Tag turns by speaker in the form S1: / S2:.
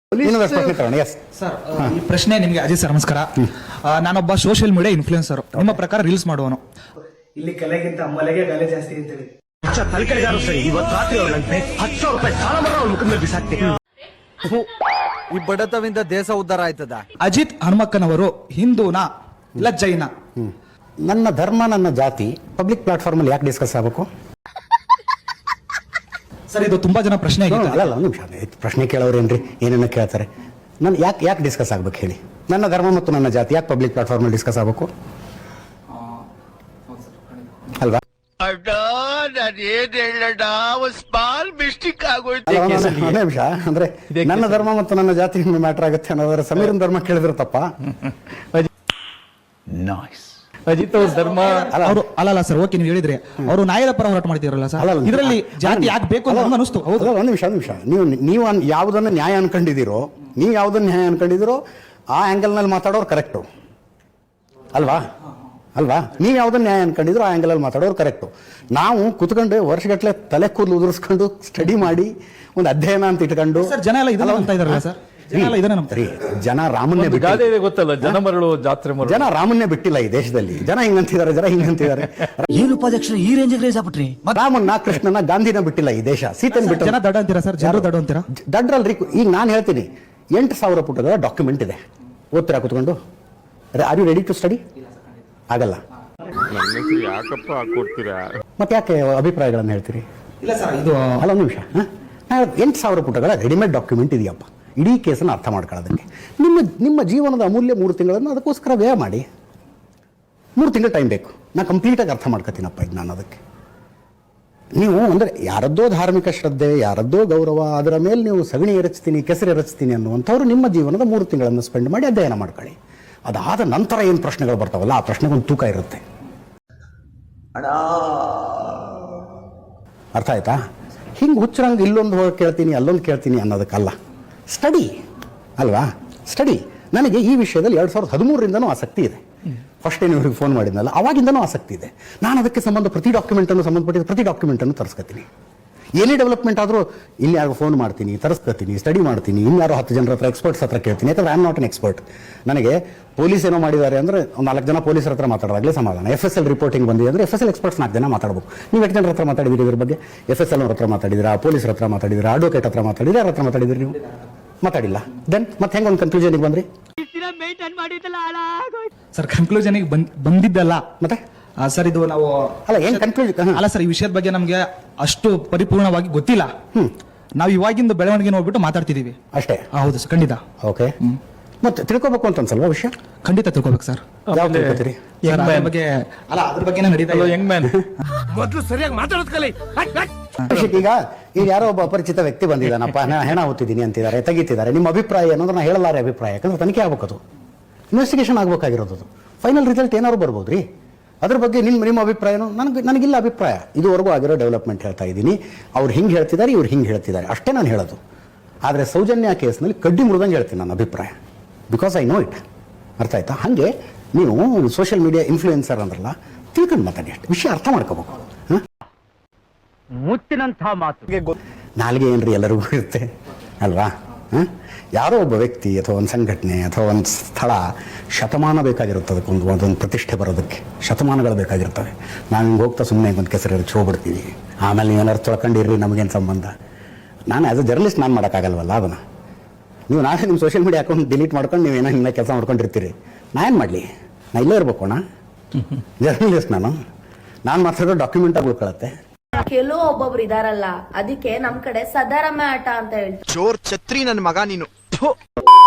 S1: Sir, ಈ ಪ್ರಶ್ನೆ ನಿಮಗೆ ಅಜಿತ್ ಸರ್ ನಮಸ್ಕಾರ. ನಾನೊಬ್ಬ ಸೋಷಿಯಲ್ ಮೀಡಿಯಾ ಇನ್ಫ್ಲೂಯೆನ್ಸರ್. ನಿಮ್ಮ ಪ್ರಕಾರ ರೀಲ್ಸ್ ಮಾಡುವನು.
S2: ಇಲ್ಲಿ ಕಲೆಗಿಂತ ಮಲೆಗೆ ಬೆಲೆ ಜಾಸ್ತಿ ಅಂತೇಳಿ
S3: ಈ ಬಡತವಿಂದ ದೇಶ ಉದ್ಧಾರ ಆಯ್ತದ.
S1: ಅಜಿತ್ ಹನುಮಕ್ಕನವರು ಹಿಂದೂನಾ ಇಲ್ಲ ಜೈನ?
S4: ನನ್ನ ಧರ್ಮ ನನ್ನ ಜಾತಿ ಪಬ್ಲಿಕ್ ಪ್ಲಾಟ್ಫಾರ್ಮ್ ಅಲ್ಲಿ ಯಾಕೆ ಡಿಸ್ಕಸ್ ಆಗಬೇಕು
S1: ಸರ್? ಇದು ತುಂಬಾ ಜನ ಪ್ರಶ್ನೆ ಆಗಿದೆ.
S4: ಅಲ್ಲ ಒಂದು ನಿಮಿಷ, ಪ್ರಶ್ನೆ ಕೇಳೋರೇನ್ರಿ ಏನೇನ ಕೇಳ್ತಾರೆ. ನಾನು ಯಾಕೆ ಡಿಸ್ಕಸ್ ಆಗ್ಬೇಕು ಹೇಳಿ? ನನ್ನ ಧರ್ಮ ಮತ್ತು ನನ್ನ ಜಾತಿ ಯಾಕೆ ಪಬ್ಲಿಕ್ ಪ್ಲಾಟ್ಫಾರ್ಮ್ ಅಲ್ಲಿ ಡಿಸ್ಕಸ್ ಆಗಬೇಕು ಅಲ್ವಾ? ನಿಮಿಷ ಅಂದ್ರೆ ನನ್ನ ಧರ್ಮ ಮತ್ತು ನನ್ನ ಜಾತಿ ಮ್ಯಾಟರ್ ಆಗುತ್ತೆ ಅನ್ನೋದ್ರ ಸಮೀರನ್ ಧರ್ಮ ಕೇಳಿದ್ರೆ ತಪ್ಪ?
S1: ಅಜಿತ್ ಅವ್ರ ಧರ್ಮ ಅವರು ಅಲ್ಲ ಸರ್. ಓಕೆ, ನೀವು ಹೇಳಿದ್ರೆ ಅವರು ನ್ಯಾಯದ ಪರ ಹೋರಾಟ ಮಾಡ್ತಿರಲ್ಲ ಸರ್, ಇದರಲ್ಲಿ ಜಾತಿ ಯಾಕೆ ಬೇಕು ಅಂತ ಅನಿಸ್ತು. ಹೌದು,
S4: ಒಂದು ನಿಮಿಷ. ನೀವು ಯಾವುದನ್ನ ನ್ಯಾಯ ಅನ್ಕೊಂಡಿದ್ದೀರೋ, ನೀವು ಯಾವುದನ್ನ ನ್ಯಾಯ ಅನ್ಕೊಂಡಿದ್ದೀರೋ ಆ ಆಂಗಲ್ ನಲ್ಲಿ ಮಾತಾಡೋರು ಕರೆಕ್ಟು ಅಲ್ವಾ? ನೀವು ಯಾವುದನ್ನ ನ್ಯಾಯ ಅನ್ಕೊಂಡಿದ್ರು ಆ ಆಂಗಲ್ ಅಲ್ಲಿ ಮಾತಾಡೋರು ಕರೆಕ್ಟು. ನಾವು ಕುತ್ಕೊಂಡು ವರ್ಷಗಟ್ಟಲೆ ತಲೆ ಕೂದಲು ಉದುರಿಸ್ಕೊಂಡು ಸ್ಟಡಿ ಮಾಡಿ ಒಂದು ಅಧ್ಯಯನ ಅಂತ ಇಟ್ಕೊಂಡು
S1: ಜನ ಎಲ್ಲ ಇದನ್ನ ಅಂತ ಇದಾರಲ್ಲ ಸರ್.
S4: ಜನ ರಾಮನ್ನೇ
S3: ಗೊತ್ತಲ್ಲ, ಜನ ಮರಳು ಜಾತ್ರೆ ಮರಳು.
S4: ಜನ ರಾಮನ್ನೇ ಬಿಟ್ಟಿಲ್ಲ ಈ ದೇಶದಲ್ಲಿ. ಜನ ಹಿಂಗಂತಿದ್ದಾರೆ.
S3: ಏನು ಉಪಾಧ್ಯಕ್ಷರು ಈ ರೇಂಜ್ ರೇಸ್ ಆಗ್ಬಿಟ್ರಿ?
S4: ರಾಮನ್ನ, ಕೃಷ್ಣನ, ಗಾಂಧಿನ ಬಿಟ್ಟಿಲ್ಲ ಈ ದೇಶ. ಸೀತೆನ ಬಿಟ್ಟು
S1: ಜನ ದಡ್ಡ ಅಂತೀರಾ ಸರ್? ಜನರು ದಡ್ಡ ಅಂತೀರಾ?
S4: ದಡ್ರಲ್ರಿ. ಈಗ ನಾನು ಹೇಳ್ತೀನಿ, 8,000 ಪುಟಗಳ ಡಾಕ್ಯುಮೆಂಟ್ ಇದೆ. ಓದ್ತೀರಾ ಕುತ್ಕೊಂಡು? Are you ready to study? ಆಗಲ್ಲ. ಮತ್ತೆ ಯಾಕೆ ಅಭಿಪ್ರಾಯಗಳನ್ನು ಹೇಳ್ತೀರಿ?
S1: ಇಲ್ಲ ಸರ್, ಇದು
S4: ಅಲ್ಲ ಒಂದು ನಿಮಿಷ. 8,000 ಪುಟಗಳ ರೆಡಿಮೇಡ್ ಡಾಕ್ಯುಮೆಂಟ್ ಇದೆಯಪ್ಪ. ಇಡೀ ಕೇಸನ್ನು ಅರ್ಥ ಮಾಡ್ಕೊಳ್ಳೋದಕ್ಕೆ ನಿಮ್ಮ ಜೀವನದ ಅಮೂಲ್ಯ 3 ತಿಂಗಳನ್ನು ಅದಕ್ಕೋಸ್ಕರ ವ್ಯಯ ಮಾಡಿ. 3 ತಿಂಗಳು ಟೈಮ್ ಬೇಕು. ನಾನು ಕಂಪ್ಲೀಟಾಗಿ ಅರ್ಥ ಮಾಡ್ಕೊತೀನಪ್ಪ ಇದು ನಾನು ಅದಕ್ಕೆ. ನೀವು ಅಂದರೆ ಯಾರದ್ದೋ ಧಾರ್ಮಿಕ ಶ್ರದ್ಧೆ, ಯಾರದ್ದೋ ಗೌರವ, ಅದರ ಮೇಲೆ ನೀವು ಸಗಣಿ ಎರಚ್ತೀನಿ, ಕೆಸರು ಎರಚ್ತೀನಿ ಅನ್ನುವಂಥವ್ರು ನಿಮ್ಮ ಜೀವನದ 3 ತಿಂಗಳನ್ನು ಸ್ಪೆಂಡ್ ಮಾಡಿ ಅಧ್ಯಯನ ಮಾಡ್ಕೊಳ್ಳಿ. ಅದಾದ ನಂತರ ಏನು ಪ್ರಶ್ನೆಗಳು ಬರ್ತಾವಲ್ಲ, ಆ ಪ್ರಶ್ನೆಗೊಂದು ತೂಕ ಇರುತ್ತೆ. ಅರ್ಥ ಆಯ್ತಾ? ಹಿಂಗೆ ಹುಚ್ಚರಂಗೆ ಇಲ್ಲೊಂದು ಹೋಗಿ ಕೇಳ್ತೀನಿ, ಅಲ್ಲೊಂದು ಕೇಳ್ತೀನಿ ಅನ್ನೋದಕ್ಕಲ್ಲ. ಸ್ಟಡಿ ಅಲ್ವಾ? ಸ್ಟಡಿ. ನನಗೆ ಈ ವಿಷಯದಲ್ಲಿ 2013ರಿಂದನೂ ಆಸಕ್ತಿ ಇದೆ. ಫಸ್ಟ್ ಏನು ಇವ್ರಿಗೆ ಫೋನ್ ಮಾಡಿದ್ನಲ್ಲ, ಅವಾಗಿಂದನೂ ಆಸಕ್ತಿ ಇದೆ. ನಾನು ಅದಕ್ಕೆ ಪ್ರತಿ ಡಾಕ್ಯುಮೆಂಟನ್ನು ತರಿಸ್ಕೊತೀನಿ. ಏನೇ ಡೆವಲಪ್ಮೆಂಟ್ ಆದರೂ ಇಲ್ಲಿ ಯಾರು ಫೋನ್ ಮಾಡ್ತೀನಿ, ತರಿಸ್ಕೊತೀನಿ, ಸ್ಟಡಿ ಮಾಡ್ತೀನಿ. ಇನ್ಯಾರೋ 10 ಜನರ ಹತ್ರ, ಎಕ್ಸ್ಪರ್ಟ್ಸ್ ಹತ್ರ ಕೇಳ್ತೀನಿ. ಯಾಕಂದ್ರೆ I am not an expert. ನನಗೆ ಪೊಲೀಸ್ ಏನೋ ಮಾಡಿದ್ದಾರೆ ಅಂದರೆ ಒಂದು 4 ಜನ ಪೊಲೀಸರ ಹತ್ರ ಮಾತಾಡೋದಾಗಲೇ ಸಮಾಧಾನ. FSL ರಿಪೋರ್ಟಿಂಗ್ ಬಂದಿದೆ ಅಂದರೆ FSL ಎಕ್ಸ್ಪರ್ಟ್ಸ್ 4 ಜನ ಮಾತಾಡಬೇಕು. ನೀವು 8 ಜನರ ಹತ್ರ ಮಾತಾಡಿದ್ದೀರಿ ಇದ್ರ ಬಗ್ಗೆ? FSL ಅವ್ರ ಹತ್ರ ಮಾತಾಡಿದ್ದೀರಾ, ಪೊಲೀಸರ ಹತ್ರ ಮಾತಾಡಿದ್ದೀರಾ, ಅಡ್ವೊಕೇಟ್ ಹತ್ರ ಮಾತಾಡಿದ್ದೀರಾ, ಯಾರ ಹತ್ರ ಮಾತಾಡಿದ್ದೀರಿ? ನೀವು ಮಾತಾಡಿಲ್ಲ. ದೆನ್ ಮತ್ತೆ ಹೆಂಗೆ ಒಂದು ಕನ್ಕ್ಲೂಷನ್ಗೆ ಬಂದ್ರಿ
S1: ಸರ್? ಕನ್ಕ್ಲೂಷನ್ಗೆ ಬಂದಿದ್ದಲ್ಲ ಮತ್ತೆ ಸರ್. ಇದು ನಾವು
S4: ಅಲ್ಲ ಏನು ಕನ್ಕ್ಲೂಷನ್
S1: ಅಲ್ಲ ಸರ್, ಈ ವಿಷಯದ ಬಗ್ಗೆ ನಮಗೆ ಅಷ್ಟು ಪರಿಪೂರ್ಣವಾಗಿ ಗೊತ್ತಿಲ್ಲ. ನಾವು ಇವಾಗಿಂದ ಬೆಳವಣಿಗೆ ನೋಡ್ಬಿಟ್ಟು ಮಾತಾಡ್ತಿದೀವಿ ಅಷ್ಟೇ. ಹೌದು ಸರ್, ಖಂಡಿತ.
S4: ಓಕೆ, ಮತ್ತೆ ತಿಳ್ಕೊಬೇಕು ಅಂತ ಅನ್ಸಲ್ವಾ ವಿಷಯ?
S1: ಖಂಡಿತ ತಿಳ್ಕೊಬೇಕು ಸರ್.
S4: ಯಾವ್ದು ತಿಳ್ಕೊತೀರಿ?
S1: ಬಗ್ಗೆ ಅಲ್ಲ, ಅದ್ರ ಬಗ್ಗೆ ನಡೀತಾ ಯಂಗ್ ಮ್ಯಾನ್
S3: ಮೊದಲು ಸರಿಯಾಗಿ ಮಾತಾಡೋದು ಕಲಿ.
S4: ಈಗ ಯಾರೋ ಒಬ್ಬ ಅಪರಿಚಿತ ವ್ಯಕ್ತಿ ಬಂದಿದ್ದಾನಪ್ಪ, ಹೆಣ ಹೊತ್ತಿದ್ದೀನಿ ಅಂತಿದ್ದಾರೆ, ತೆಗಿತಿದ್ದಾರೆ. ನಿಮ್ಮ ಅಭಿಪ್ರಾಯ ಅನ್ನೋದು ನಾನು ಹೇಳಲಾರೆ ಅಭಿಪ್ರಾಯ. ಯಾಕಂದ್ರೆ ತನಿಖೆ ಆಗ್ಬೇಕು, ಅದು ಇನ್ವೆಸ್ಟಿಗೇಷನ್ ಆಗ್ಬೇಕಾಗಿರೋದು. ಫೈನಲ್ ರಿಸಲ್ಟ್ ಏನಾದ್ರು ಬರ್ಬೋದು ರೀ. ಅದ್ರ ಬಗ್ಗೆ ನಿಮ್ಮ ಅಭಿಪ್ರಾಯನೂ ನನಗಿಲ್ಲ ಅಭಿಪ್ರಾಯ. ಇದುವರೆಗೂ ಆಗಿರೋ ಡೆವಲಪ್ಮೆಂಟ್ ಹೇಳ್ತಾ ಇದ್ದೀನಿ. ಅವ್ರು ಹಿಂಗೆ ಹೇಳ್ತಿದ್ದಾರೆ, ಇವ್ರು ಹಿಂಗೆ ಹೇಳ್ತಿದ್ದಾರೆ, ಅಷ್ಟೇ ನಾನು ಹೇಳೋದು. ಆದರೆ ಸೌಜನ್ಯ ಕೇಸ್ನಲ್ಲಿ ಕಡ್ಡಿ ಮುರಿದಂಗೆ ಹೇಳ್ತೀನಿ ನನ್ನ ಅಭಿಪ್ರಾಯ. Because I know it. ಅರ್ಥ ಆಯ್ತಾ? ಹಾಗೆ ನೀವು ಸೋಷಿಯಲ್ ಮೀಡಿಯಾ ಇನ್ಫ್ಲೂಯೆನ್ಸರ್ ಅಂದ್ರಲ್ಲ, ತಿಳ್ಕೊಂಡು ಮಾತಾಡಿ, ಅಷ್ಟು ವಿಷಯ ಅರ್ಥ ಮಾಡ್ಕೋಬೇಕು.
S3: ಮುತ್ತಿನಂಥ ಮಾತು
S4: ನಾಲ್ಗೆ ಏನ್ರಿ ಎಲ್ಲರಿಗೂ ಇರುತ್ತೆ ಅಲ್ವಾ? ಯಾರೋ ಒಬ್ಬ ವ್ಯಕ್ತಿ ಅಥವಾ ಒಂದು ಸಂಘಟನೆ ಅಥವಾ ಒಂದು ಸ್ಥಳ ಶತಮಾನ ಬೇಕಾಗಿರುತ್ತೆ. ಅದಕ್ಕೊಂದು ಪ್ರತಿಷ್ಠೆ ಬರೋದಕ್ಕೆ ಶತಮಾನಗಳು ಬೇಕಾಗಿರ್ತವೆ. ನಾವು ಹಿಂಗೆ ಹೋಗ್ತಾ ಸುಮ್ಮನೆ ಒಂದು ಕೆಸರು ಎರಚಿ ಹೋಗ್ಬಿಡ್ತೀವಿ. ಆಮೇಲೆ ನೀವೇನಾದ್ರು ತೊಳ್ಕೊಂಡಿರ್ರಿ, ನಮಗೇನು ಸಂಬಂಧ? ನಾನು ಆ್ಯಸ್ ಅ ಜರ್ನಲಿಸ್ಟ್ ನಾನು ಮಾಡೋಕ್ಕಾಗಲ್ವಲ್ಲ ಅದನ್ನು. ನೀವು ನಾಳೆ ನಿಮ್ಮ ಸೋಷಿಯಲ್ ಮೀಡಿಯಾ ಅಕೌಂಟ್ ಡಿಲೀಟ್ ಮಾಡ್ಕೊಂಡು ನೀವೇನೋ ಹಿಂಗೆ ಕೆಲಸ ಮಾಡ್ಕೊಂಡಿರ್ತೀರಿ. ನಾ ಏನು ಮಾಡಲಿ? ನಾ ಇಲ್ಲೇ ಇರಬೇಕು ಅಣ್ಣ, ಜರ್ನಲಿಸ್ಟ್. ನಾನು ಮಾತಾಡೋ ಡಾಕ್ಯುಮೆಂಟ್ ಆಗಿ ಉಳ್ಕೊಳತ್ತೆ.
S5: ಒಬ್ಬೊಬ್ರು ಇದಾರಲ್ಲ, ಅದಕ್ಕೆ ನಮ್ ಕಡೆ ಸದಾರಮ್ಮ ಆಟ ಅಂತ ಹೇಳಿ.
S6: ಚೋರ್ ಛತ್ರಿ ನನ್ನ ಮಗ ನೀನು.